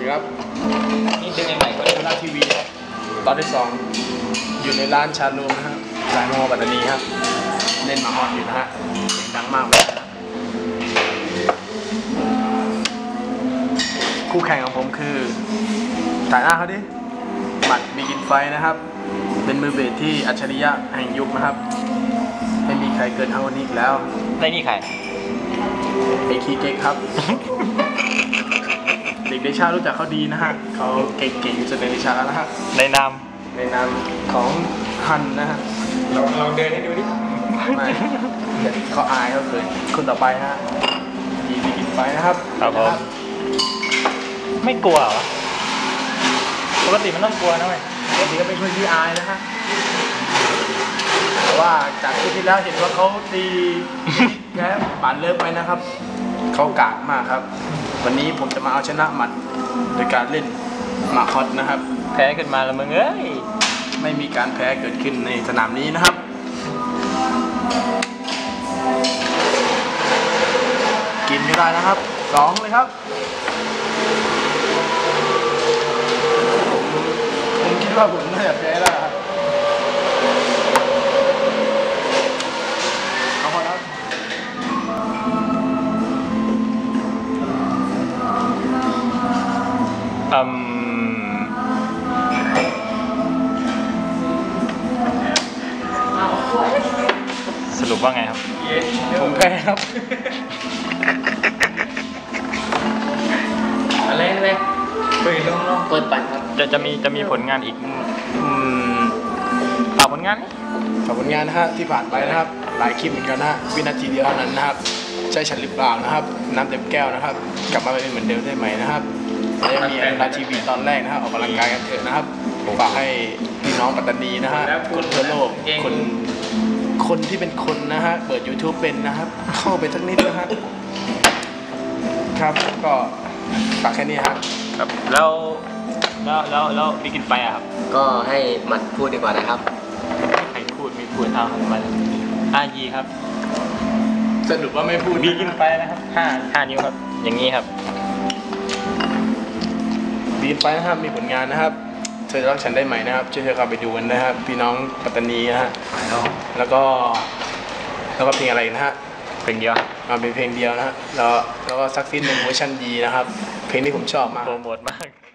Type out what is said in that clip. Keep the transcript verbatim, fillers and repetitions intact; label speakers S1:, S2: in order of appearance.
S1: ครับ
S2: นี่เป็นยังไงก็ได้
S1: ดูหน้าทีวีครับตอนที่สองอยู่ในร้านชานูนะฮะสายมอปัตตานีครับเล่นมาฮอตอยู่นะฮะเสียงดังมากเลยคู่แข่งของผมคือถ่ายหน้าเขาดิหมัดมีกินไฟนะครับเป็นมือเบสที่อัจฉริยะแห่งยุคนะครับไม่มีใครเกินเท่านี้อีกแล้ว
S2: ได้นี่ใคร
S1: ไอคีเก๊กครับ เด็กในชารู้จักเขาดีนะฮะเขาเก่งๆจนในชาแล้วนะฮะ
S2: ในนาม
S1: ในนามของฮันนะฮะ
S2: ลองลองเดินให้ดูดิ
S1: ไม่เขาอายเขาเกินคนต่อไปฮะดีมีกินไฟนะครับ
S2: ครับผมไม่กลัวเหรอปกติมันต้องกลัวนะเว้ย
S1: ปกติก็เป็นคนที่อายนะฮะแต่ว่าจากที่แล้วเห็นว่าเขาตีแพ้บานเลิกไปนะครับเขากากมากครับวันนี้ผมจะมาเอาชนะมันโดยการเล่นหมากฮอตนะครับ
S2: แพ้ขึ้นมาแล้วมึงเอ้ย
S1: ไม่มีการแพ้เกิดขึ้นในสนามนี้นะครับกินไม่ได้นะครับสองเลยครับผมคิดว่าผมน่าจะแพ้แล้วครับเอาพอแล้ว
S2: อืมสรุปว่าไงครับ
S1: ผมแพ้ครับ
S2: อะไรอะไรเปิดลงลง
S1: เปิดปั่นครับ
S2: จะจะมีจะมีผลงานอีกอืมฝากผลงาน
S1: ฝากผลงานนะฮะที่ผ่านไปนะครับหลายคลิปเหมือนกันนะฮะวินาทีเดียวเท่านั้นนะครับใช่ฉันหรือเปล่านะครับน้ำเต็มแก้วนะครับกลับมาเป็นเหมือนเดิมได้ไหมนะครับและยังมีอนุรักษ์ทีวีตอนแรกนะครับออกกำลังกายกันเถอะนะครับผมฝากให้พี่น้องปัตตานีนะฮะคนทั่วโลกคนคนที่เป็นคนนะฮะเปิด YouTube เป็นนะครับเข้าไปสักนิดนะฮะครับก็ฝากแค่นี้ครับ
S2: ครับแล้วแล้วแล้วแล้วมีกินไปอะครับ
S3: ก็ให้หมัดพูดดีกว่านะครับ
S2: ใครพูดมีพูดเอาของมันอายีครับ
S1: สรุปว่าไม่พูด
S2: มีกินไปนะครับห้าห้านิ้วครับอย่างนี้ครับ
S1: มีกินไปนะครับมีผลงานนะครับเธอรักฉันได้ไหมนะครับช่วยเธอเข้าไปดูกันนะครับพี่น้องปัตตานีนะฮะแล้วก็แล้วก็เพลงอะไรนะฮะ
S2: เพลงเดียว
S1: มาเป็นเพลงเดียวนะฮะแล้วแล้วก็ซักซิ้นเป็นเวอร์ชันดีนะครับเพลงที่ผมชอบมาก
S2: โปรโมทมาก